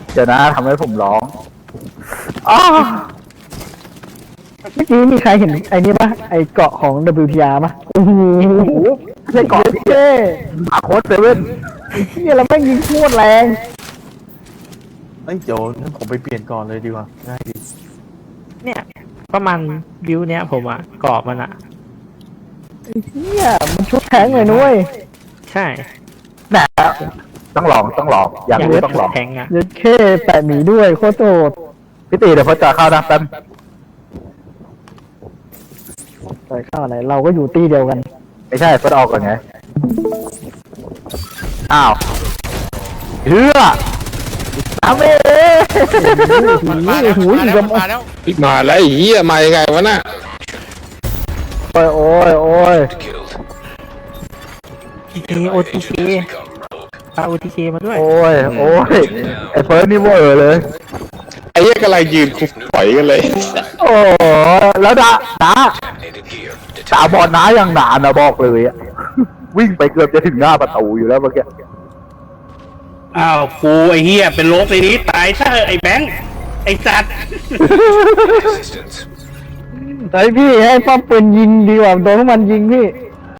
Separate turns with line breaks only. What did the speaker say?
เดี๋ยวนะทำให้ผมร้องอ้า
เมื่อกี้มีใครเห็นไอ้นี่ปะไอ้เกาะของ WTR ปะโอ้โห
ไม่ใช่เกาะ
เท่
อาโค้ดเซเว่น
เนี่ยเราแม่งยิงโคตรแรง
เอ้ยเดี๋ยวงั้นผมไปเปลี่ยนก่อนเลยดีกว่าง่ายดี
เนี่ยประมาณบิวเนี้ยผมอะกรอบมันอะ
เนี่ยมันชุดแทงเลยนุ้ย
ใช่
แหนะต้องลองอยากรู้ต้องลอง
แทงอะ
ยัดเข้แปะหมีด้วยโคตรโหด
พี่ตีเดี๋ยวพอจะเข้านะแป๊บ
ใส่ข้าวอะไรเราก็อยู่ตีเดียวกัน
ไม่ใช่เฟิร์สออกก่อนไงอ้าวเฮือทำเอง
มาแล้วมาแล้วมาแล้ว
มาแล้วไอ้เหี้ยมายังไงวะน่ะ
โอ้ย
ทีโอทีเคพาโอทีเคมาด้วย
โอ้ยไอ้เฟิร์สนี่เวอร์เลย
ไอ้เหี้ยกำลังยืนคุกปล่อยกันเลย
โอ้แล้วดาบอลน้ายังนานนะบอกเลยอะวิ่งไปเกือบจะถึงหน้าประตูอยู่แล้วเมื่อกี้
อ้าวกูไอ้เหี้ยเป็นโรคในนี้ตายซะเถอะไอ้แบงค์ไอ้สัตว์
ไอพี่ให้ป้อมปืนยิงดีกว่าโดนพวกมันยิงพี่